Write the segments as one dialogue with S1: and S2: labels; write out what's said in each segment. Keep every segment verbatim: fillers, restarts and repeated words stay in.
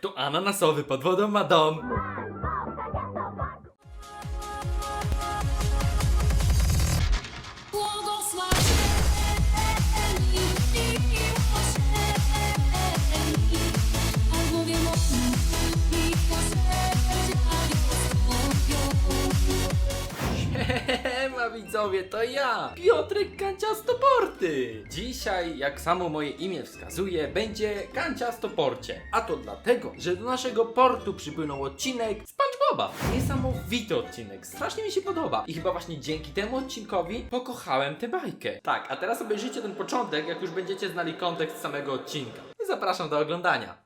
S1: Kto ananasowy pod wodą ma dom? Siema widzowie, to ja, Piotrek Kanciastoporty. Dzisiaj, jak samo moje imię wskazuje, będzie Kanciastoporcie. A to dlatego, że do naszego portu przypłynął odcinek SpongeBoba. Niesamowity odcinek, strasznie mi się podoba. I chyba właśnie dzięki temu odcinkowi pokochałem tę bajkę. Tak, a teraz obejrzyjcie ten początek, jak już będziecie znali kontekst samego odcinka. I zapraszam do oglądania.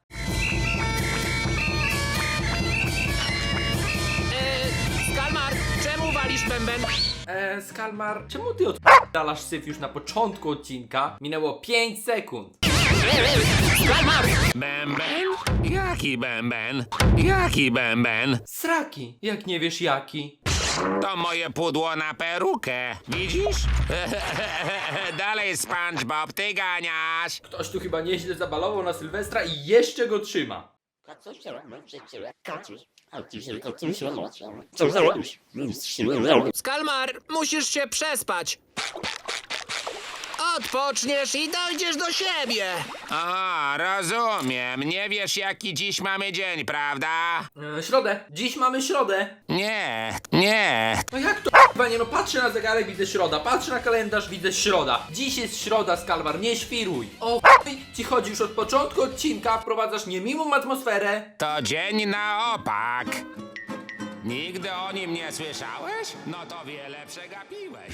S2: Skalmar, czemu walisz bęben?
S1: Eee, Skalmar, czemu ty odpalasz syf już na początku odcinka? Minęło pięć sekund.
S2: Skalmar!
S3: Bęben? Jaki bęben? Jaki bęben?
S1: Sraki, jak nie wiesz jaki.
S3: To moje pudło na perukę. Widzisz? Dalej, SpongeBob, ty ganiasz.
S1: Ktoś tu chyba nieźle zabalował na Sylwestra i jeszcze go trzyma.
S2: Skalmar, musisz się przespać. Odpoczniesz i dojdziesz do siebie.
S3: Aha, rozumiem. Nie wiesz, jaki dziś mamy dzień, prawda?
S1: Eee, środę, dziś mamy środę.
S3: Nie, nie.
S1: No jak to panie, no patrzę na zegarek, widzę środa, patrzę na kalendarz, widzę środa. Dziś jest środa, Skalmar, nie świruj. O ci chodzi już od początku odcinka, wprowadzasz niemiłą atmosferę.
S3: To dzień na opak. Nigdy o nim nie słyszałeś? No to wiele przegapiłeś.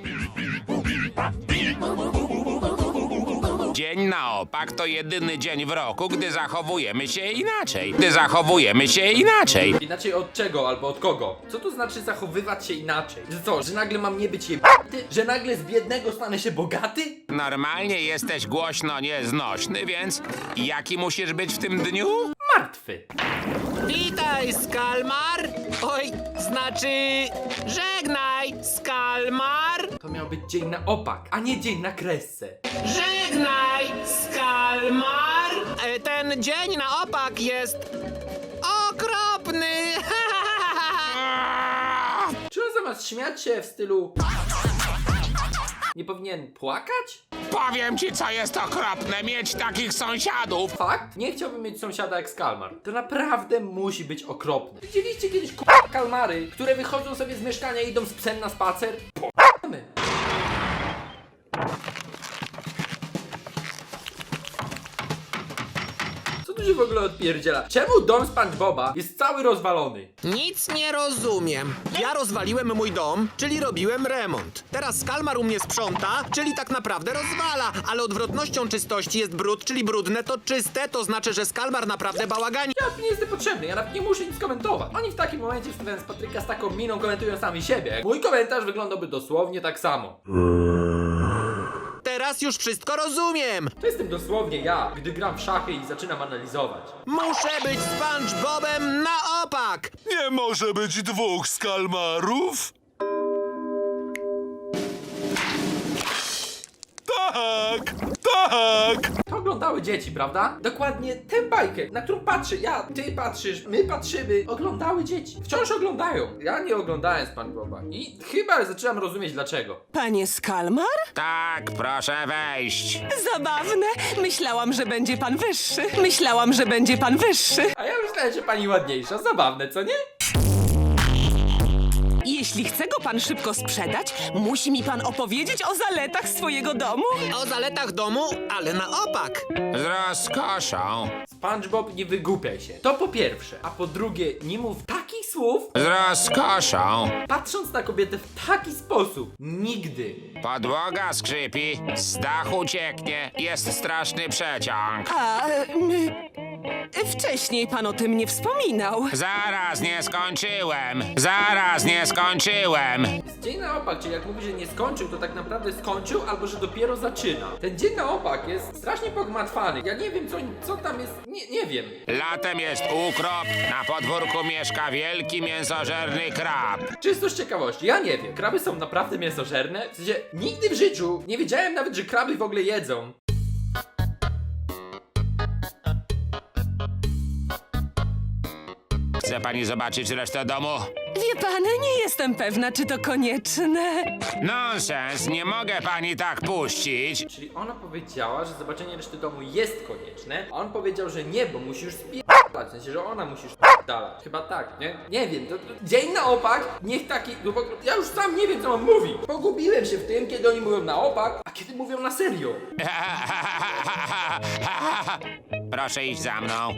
S3: Dzień na opak to jedyny dzień w roku, gdy zachowujemy się inaczej. Gdy zachowujemy się inaczej.
S1: Inaczej od czego albo od kogo? Co to znaczy zachowywać się inaczej? Że co, że nagle mam nie być jebaty? Że nagle z biednego stanę się bogaty?
S3: Normalnie jesteś głośno nieznośny, więc jaki musisz być w tym dniu?
S1: Martwy.
S2: Witaj, Skalmar. Oj, znaczy... Żegnaj, Skalmar.
S1: To miał być dzień na opak, a nie dzień na kresce.
S2: Żegnaj, Skalmar. E, ten dzień na opak jest... okropny.
S1: Czy on zamiast śmiać się w stylu... nie powinien płakać?
S3: Powiem ci, co jest okropne, mieć takich sąsiadów.
S1: Fakt? Nie chciałbym mieć sąsiada jak Skalmar. To naprawdę musi być okropne. Widzieliście kiedyś k***a kalmary, które wychodzą sobie z mieszkania i idą z psem na spacer? P***my. Co tu się w ogóle odpierdziela? Czemu dom SpongeBoba jest cały rozwalony?
S2: Nic nie rozumiem. Ja rozwaliłem mój dom, czyli robiłem remont. Teraz Skalmar u mnie sprząta, czyli tak naprawdę rozwala. Ale odwrotnością czystości jest brud, czyli brudne to czyste, to znaczy, że Skalmar naprawdę bałagani.
S1: Ja nie jestem potrzebny, ja nawet nie muszę nic komentować. Oni w takim momencie wstawiając Patryka z taką miną komentują sami siebie. Mój komentarz wyglądałby dosłownie tak samo.
S2: Teraz już wszystko rozumiem.
S1: To jestem dosłownie ja, gdy gram w szachy i zaczynam analizować.
S2: Muszę być SpongeBobem na opak.
S4: Nie może być dwóch Skalmarów? Tak, tak.
S1: To oglądały dzieci, prawda? Dokładnie tę bajkę, na którą patrzę ja, ty patrzysz, my patrzymy, oglądały dzieci. Wciąż oglądają. Ja nie oglądałem SpongeBoba i chyba zaczynam rozumieć dlaczego.
S5: Panie Skalmar?
S3: Tak, proszę wejść.
S5: Zabawne. Myślałam, że będzie pan wyższy. Myślałam, że będzie pan wyższy.
S1: A ja myślałem, że pani ładniejsza, zabawne, co nie?
S5: Jeśli chce go pan szybko sprzedać, musi mi pan opowiedzieć o zaletach swojego domu.
S2: O zaletach domu, ale na opak.
S3: Z rozkoszą.
S1: SpongeBob, nie wygłupiaj się. To po pierwsze. A po drugie, nie mów takich słów,
S3: Z rozkoszą.
S1: patrząc na kobietę w taki sposób. Nigdy.
S3: Podłoga skrzypi, z dachu cieknie, jest straszny przeciąg.
S5: A... mm, wcześniej pan o tym nie wspominał.
S3: Zaraz nie skończyłem. Zaraz nie skończyłem.
S1: Z dzień na opak, czyli jak mówi, że nie skończył, to tak naprawdę skończył, albo że dopiero zaczyna. Ten dzień na opak jest strasznie pogmatwany. Ja nie wiem, co, co tam jest. Nie, nie wiem.
S3: Latem jest ukrop, na podwórku mieszka wielki mięsożerny krab.
S1: Czysto z ciekawości, ja nie wiem. Kraby są naprawdę mięsożerne? W sensie, nigdy w życiu nie wiedziałem nawet, że kraby w ogóle jedzą.
S3: Chce pani zobaczyć resztę domu?
S5: Wie pan, nie jestem pewna, czy to konieczne.
S3: Nonsens, nie mogę pani tak puścić.
S1: Czyli ona powiedziała, że zobaczenie reszty domu jest konieczne, a on powiedział, że nie, bo musi już spierdalać, w sensie, że ona musi już spierdalać. Chyba tak, nie? Nie wiem, to, to dzień na opak, niech taki, no bo ja już sam nie wiem, co mam mówić. Pogubiłem się w tym, kiedy oni mówią na opak, a kiedy mówią na serio.
S3: Proszę iść za mną.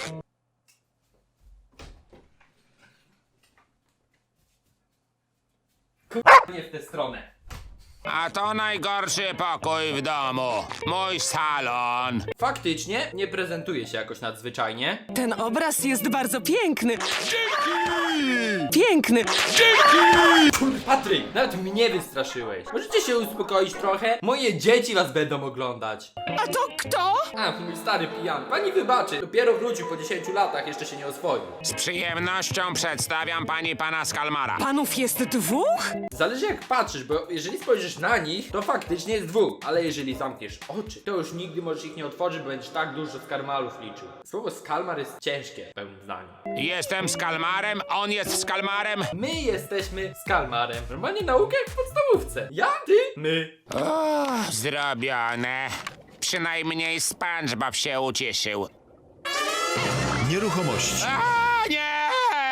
S1: Nie w tę stronę.
S3: A to najgorszy pokój w domu. Mój salon.
S1: Faktycznie nie prezentuje się jakoś nadzwyczajnie.
S5: Ten obraz jest bardzo piękny. Piękny.
S1: Patryk, nawet mnie wystraszyłeś. Możecie się uspokoić trochę? Moje dzieci was będą oglądać.
S5: A to kto?
S1: A, mój stary pijan. Pani wybaczy, dopiero wrócił po dziesięciu latach, jeszcze się nie oswoił.
S3: Z przyjemnością przedstawiam pani pana Skalmara.
S5: Panów jest dwóch?
S1: Zależy jak patrzysz, bo jeżeli spojrzysz na nich, to faktycznie jest dwóch. Ale jeżeli zamkniesz oczy, to już nigdy możesz ich nie otworzyć, bo będziesz tak dużo skalmarów liczył. Słowo skalmar jest ciężkie, w pełnym zdaniu.
S3: Jestem Skalmarem, on jest Skalmarem.
S1: My jesteśmy skalmarem. Normalnie nauka jak w podstawówce. Ja, ty, my.
S3: O, zrobione. Przynajmniej SpongeBob się ucieszył.
S4: Nieruchomości.
S3: A, nie!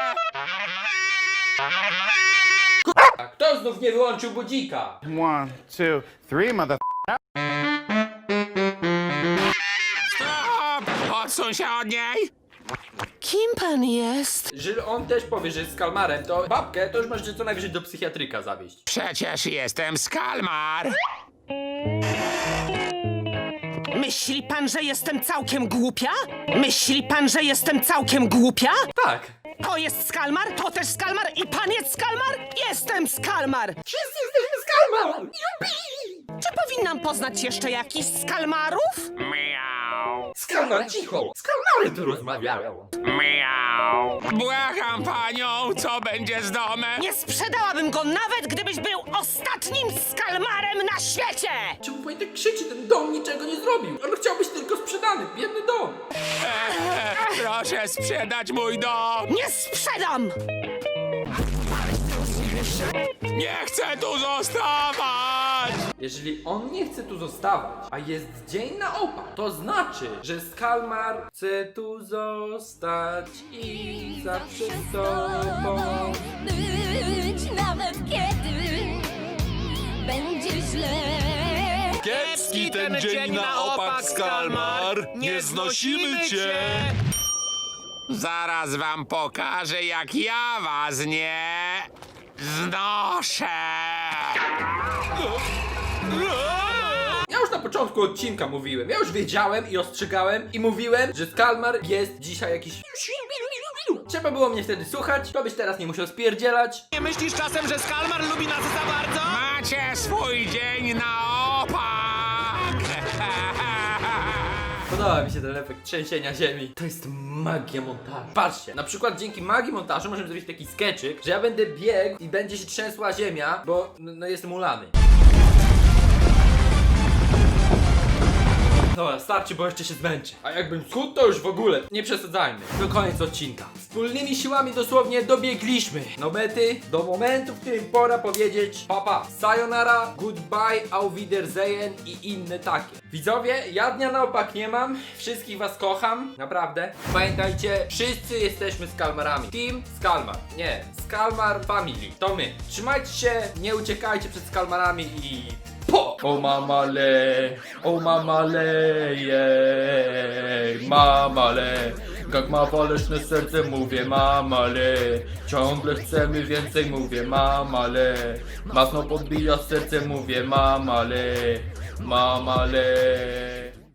S1: A kto znów nie wyłączył budzika?
S6: One, two, three, mother.
S3: Stop! Odsuń się od niej!
S5: Kim pan jest?
S1: Jeżeli on też powie, że jest skalmarem, to babkę to już możecie co najwyżej do psychiatryka zawieźć.
S3: Przecież jestem Skalmar.
S5: Myśli pan, że jestem całkiem głupia? Myśli pan, że jestem całkiem głupia?
S1: Tak.
S5: To jest Skalmar, to też Skalmar i pan jest Skalmar? Jestem Skalmar!
S1: Wszyscy jesteśmy skalmarem!
S5: Czy powinnam poznać jeszcze jakichś Skalmarów?
S3: Miau.
S1: Skalmar, cicho! Skalmary tu rozmawiają.
S3: Miau. Błagam panią, co będzie z domem?
S5: Nie sprzedałabym go nawet, gdybyś był ostatnim Skalmarem na świecie!
S1: Czemu pani tak krzyczy? Ten dom niczego nie zrobił. On chciał być tylko sprzedany. Biedny dom.
S3: Eee, proszę sprzedać mój dom.
S5: Nie sprzedam!
S3: Nie chcę tu zostawać.
S1: Jeżeli on nie chce tu zostawać, a jest dzień na opak, to znaczy, że Skalmar chce tu zostać i zawsze z tobą.
S7: Być nawet kiedy będzie źle.
S4: Kiepski ten dzień na opak, Skalmar. Nie znosimy cię.
S3: Zaraz wam pokażę, jak ja was nie znoszę.
S1: Ja już na początku odcinka mówiłem, ja już wiedziałem i ostrzegałem i mówiłem, że Skalmar jest dzisiaj jakiś... Trzeba było mnie wtedy słuchać, to byś teraz nie musiał spierdzielać.
S2: Nie myślisz czasem, że Skalmar lubi nas za bardzo?
S3: Macie swój dzień na opak.
S1: Podoba mi się ten efekt trzęsienia ziemi. To jest magia montażu. Patrzcie, na przykład dzięki magii montażu możemy zrobić taki skeczyk, że ja będę biegł i będzie się trzęsła ziemia, bo no, no jestem ulany. Dobra, starczy, bo jeszcze się zmęczę. A jakbym schudł, to już w ogóle. Nie przesadzajmy. To koniec odcinka. Wspólnymi siłami dosłownie dobiegliśmy do mety, do momentu, w którym pora powiedzieć papa, sayonara, goodbye, auf Wiedersehen i inne takie. Widzowie, ja dnia na opak nie mam. Wszystkich was kocham. Naprawdę. Pamiętajcie, wszyscy jesteśmy Skalmarami. Team Skalmar. Nie, Skalmar Family. To my. Trzymajcie się, nie uciekajcie przed Skalmarami i... Po! O mamale, o mamale, jej, mamale. Jak ma waleczne serce, mówię mamale. Ciągle chcemy więcej, mówię mamale. Mocno podbija serce, mówię mamale, mamale.